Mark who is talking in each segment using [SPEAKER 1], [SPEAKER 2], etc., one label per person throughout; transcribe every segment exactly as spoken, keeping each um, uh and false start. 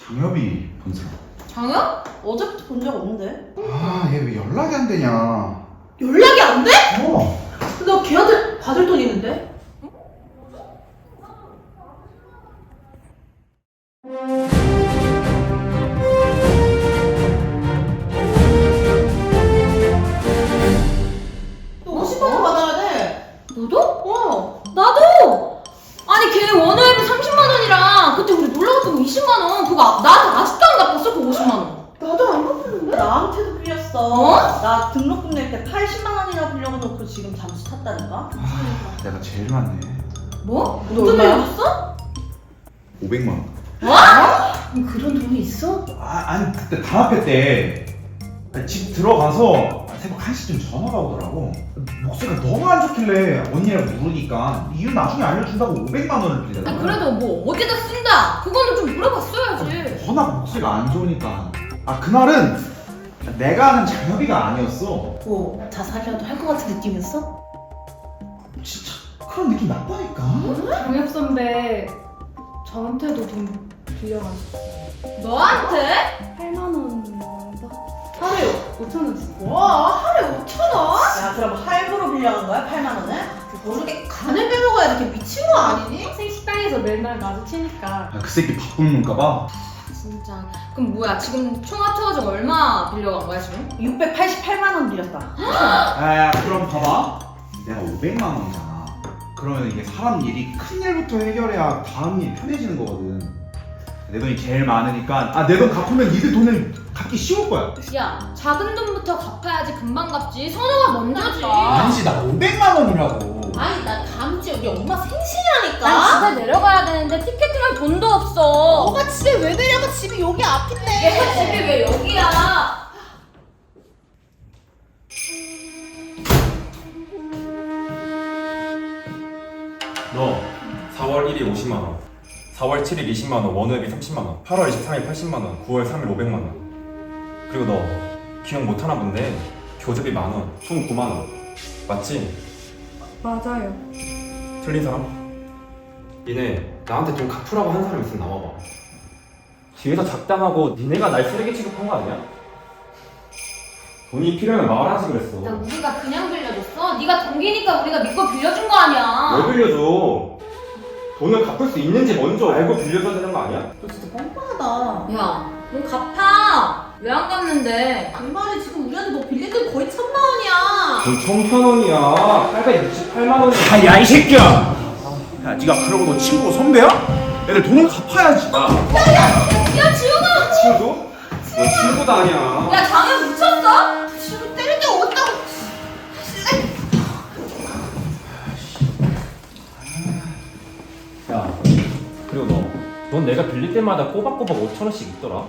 [SPEAKER 1] 장엽이 본 사람.
[SPEAKER 2] 장혁? 어제부터 본 적 없는데?
[SPEAKER 1] 아, 얘 왜 연락이 안 되냐?
[SPEAKER 2] 연락이 안 돼?
[SPEAKER 1] 어.
[SPEAKER 2] 나 걔한테 받을 돈 있는데? 너 오십만 원 받아야 돼.
[SPEAKER 3] 너도?
[SPEAKER 2] 어.
[SPEAKER 3] 나도! 아니 걔 원호앱이 삼십만 원이랑 그때 우리 놀러 갔던 거 이십만 원 그거 아- 나한테 아직도 안 갚았어 그 오십만 원.
[SPEAKER 2] 나도 안 갚았는데? 나한테도 빌렸어.
[SPEAKER 3] 어?
[SPEAKER 2] 나 등록금 낼 때 팔십만 원이나 빌려놓고 지금 잠수 탔다니까?
[SPEAKER 1] 아, 내가 제일 많네.
[SPEAKER 3] 뭐?
[SPEAKER 2] 너
[SPEAKER 3] 어떤
[SPEAKER 2] 얼마야?
[SPEAKER 3] 일 줬어?
[SPEAKER 1] 오백만 원.
[SPEAKER 3] 뭐 그런 돈이 있어?
[SPEAKER 1] 아, 아니 그때 단합회 때 집 들어가서 새벽 한 시쯤 전화가 오더라고. 목소리가 너무 안 좋길래 언니라고 물으니까 이유 나중에 알려준다고 오백만 원을 빌리더라고.
[SPEAKER 3] 아니 그래도 뭐 어디다 쓴다 그거는 좀 물어봤어야지.
[SPEAKER 1] 워낙 목소리가 안 좋으니까. 아, 그날은 내가 아는 장엽이가 아니었어.
[SPEAKER 2] 뭐 자살이라도 할 것 같은 느낌이었어?
[SPEAKER 1] 진짜 그런 느낌 났다니까.
[SPEAKER 4] 장혁 선배 저한테도 돈 빌려가지고
[SPEAKER 3] 너한테?
[SPEAKER 4] 팔만 원인가?
[SPEAKER 2] 하루에
[SPEAKER 4] 오천 원씩.
[SPEAKER 2] 와 하루에 오천 원? 야 그럼 할부로 빌려간 거야? 팔만 원을? 모르게 간을 빼먹어야 이렇게 미친 거 아니니?
[SPEAKER 4] 학생 식당에서 맨날 마주치니까
[SPEAKER 1] 아, 그 새끼 바쁜가
[SPEAKER 3] 진짜. 그럼 뭐야 지금 총 합쳐가지고 얼마 빌려간 거야 지금?
[SPEAKER 2] 육백팔십팔만 원 빌렸다.
[SPEAKER 1] 아, 그럼 봐봐. 내가 오백만 원이잖아. 그러면 이게 사람 일이 큰 일부터 해결해야 다음 일 편해지는 거거든. 내 돈이 제일 많으니까 아, 내 돈 갚으면 니들 돈을 갚기 쉬울 거야.
[SPEAKER 3] 야 작은 돈부터 갚아야지 금방 갚지. 선호가 먼저지.
[SPEAKER 1] 아니지, 나 오백만 원이라고.
[SPEAKER 2] 아니 나 다음 주에 우리 엄마 생신이라니까.
[SPEAKER 3] 난 집에 내려가야 되는데 티켓팅할 돈도 없어.
[SPEAKER 2] 너가 집에 왜 내려가? 집이 여기 앞인데.
[SPEAKER 3] 얘가 집이 왜 여기야?
[SPEAKER 5] 너 사월 일일 오십만 원, 사월 칠일 이십만 원, 원호앱이 삼십만 원, 팔월 이십삼일 팔십만 원, 구월 삼일 오백만 원. 그리고 너 기억 못하나 본데 교습이 만 원, 총 구만 원. 맞지?
[SPEAKER 4] 맞아요.
[SPEAKER 5] 틀린 사람? 니네 나한테 돈 갚으라고 한 사람 있으면 나와봐. 뒤에서 작당하고 니네가 날 쓰레기 취급한 거 아니야? 돈이 필요하면 말하지 그랬어.
[SPEAKER 3] 나 우리가 그냥 빌려줬어? 네가 동기니까 우리가 믿고 빌려준 거 아니야.
[SPEAKER 5] 왜 빌려줘? 돈을 갚을 수 있는지 먼저 알고 빌려줘야 되는 거 아니야?
[SPEAKER 2] 너 진짜 뻔뻔하다.
[SPEAKER 3] 야, 넌 갚아. 왜 안 갚는데?
[SPEAKER 2] 그 말이 지금 우리한테 너 빌린 돈 거의 천만 원이야.
[SPEAKER 5] 돈 천천 원이야. 팔백육십팔만 원이야.
[SPEAKER 1] 아, 야, 이 새끼야! 야, 니가 그러고 너 친구 선배야? 애들 돈을 갚아야지.
[SPEAKER 3] 야, 지훈아!
[SPEAKER 5] 친구? 너 친구도 아니야.
[SPEAKER 3] 야, 장현 미쳤어?
[SPEAKER 2] 지금 때릴 데가 없다고.
[SPEAKER 5] 야, 그리고 너, 넌 내가 빌릴 때마다 꼬박꼬박 오천 원씩 있더라.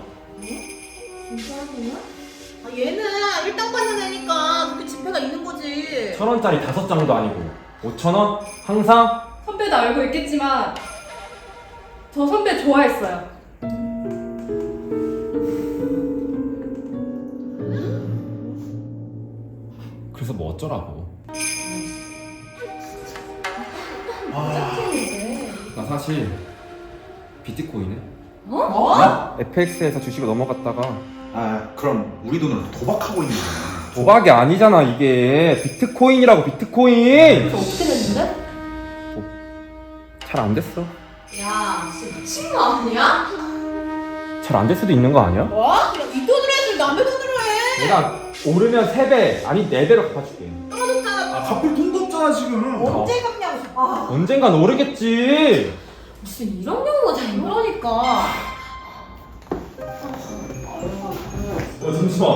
[SPEAKER 2] 아, 얘는 일당 받는 애니까 그렇게 지폐가 있는 거지.
[SPEAKER 5] 천 원짜리 다섯 장도 아니고 오천 원 항상.
[SPEAKER 4] 선배도 알고 있겠지만 저 선배 좋아했어요.
[SPEAKER 5] 그래서 뭐 어쩌라고. 나 사실 비트코인에
[SPEAKER 2] 뭐?
[SPEAKER 5] 에프엑스에서 주식을 넘어갔다가.
[SPEAKER 1] 아, 그럼 우리 돈으로 도박하고 있는 거잖아.
[SPEAKER 5] 도박이 아니잖아 이게. 비트코인이라고. 비트코인.
[SPEAKER 3] 어떻게 됐는데?
[SPEAKER 5] 잘 안 됐어.
[SPEAKER 3] 야, 진짜 미친 거 아니야?
[SPEAKER 5] 잘 안 될 수도 있는 거 아니야?
[SPEAKER 2] 뭐? 야, 이 돈으로 해야지 남의 돈으로 해.
[SPEAKER 5] 내가 오르면 세 배, 아니 네 배로 갚아줄게.
[SPEAKER 1] 아, 갚을 돈도 없잖아, 지금.
[SPEAKER 2] 언제 갚냐고. 아,
[SPEAKER 5] 언젠간 오르겠지.
[SPEAKER 3] 무슨 이런 경우가 다 있는 거니까.
[SPEAKER 5] 어, 잠시만.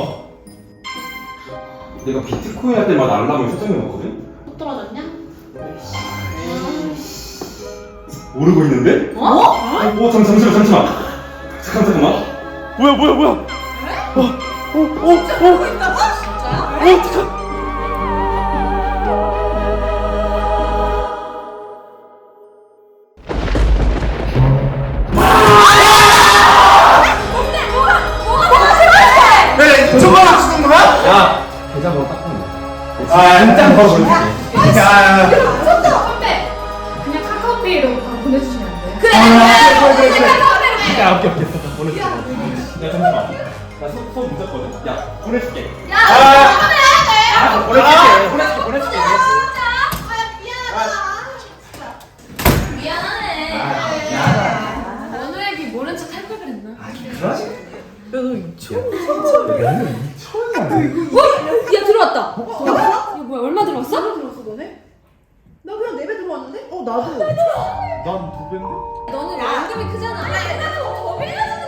[SPEAKER 5] 내가 비트코인 할 때마다 알람을 설정해 놓거든?
[SPEAKER 3] 못 떨어졌냐?
[SPEAKER 5] 오르고 있는데?
[SPEAKER 3] 어?
[SPEAKER 5] 어, 잠, 잠시만, 잠시만. 잠깐, 잠깐만. 뭐야, 뭐야, 뭐야. 어, 어, 어,
[SPEAKER 2] 진짜 그러고 있다고? 진짜야?
[SPEAKER 5] 어, 잠깐.
[SPEAKER 1] 야, 저거 하시는 거야?
[SPEAKER 5] 야, 계좌번호 딱 보내.
[SPEAKER 1] 아,
[SPEAKER 5] 진짜 걸어볼게.
[SPEAKER 1] 야, 야, 야.
[SPEAKER 3] 선배!
[SPEAKER 4] 그냥 카카오페이로 바로 보내주시면 안 돼요?
[SPEAKER 3] 그래,
[SPEAKER 1] 아,
[SPEAKER 3] 그래,
[SPEAKER 1] 그래, 그래, 그래.
[SPEAKER 3] 그래.
[SPEAKER 5] 야, 오케이, 오케이. 보내줄게. 네 잠시만. 나 수업 수업 늦었거든. 야 보내줄게.
[SPEAKER 3] 야,
[SPEAKER 1] 아,
[SPEAKER 5] 아 보내줄게. 보내줄게 보내줄게.
[SPEAKER 3] 미안하네.
[SPEAKER 1] 아, 미안하다.
[SPEAKER 3] 원우 앱이 모른 척 할 걸 그랬나?
[SPEAKER 1] 아, 그러지?
[SPEAKER 2] 야너 이천
[SPEAKER 1] 너는 이천이야.
[SPEAKER 3] 야, 들어왔다. 이거 뭐야, 얼마 들어왔어?
[SPEAKER 2] 얼마 들었어 너네? 나 그냥 네 배 들어왔는데? 어 나도.
[SPEAKER 1] 난두 배인데?
[SPEAKER 3] 너는 원금이 크잖아. 야, 나 더 빌려줘.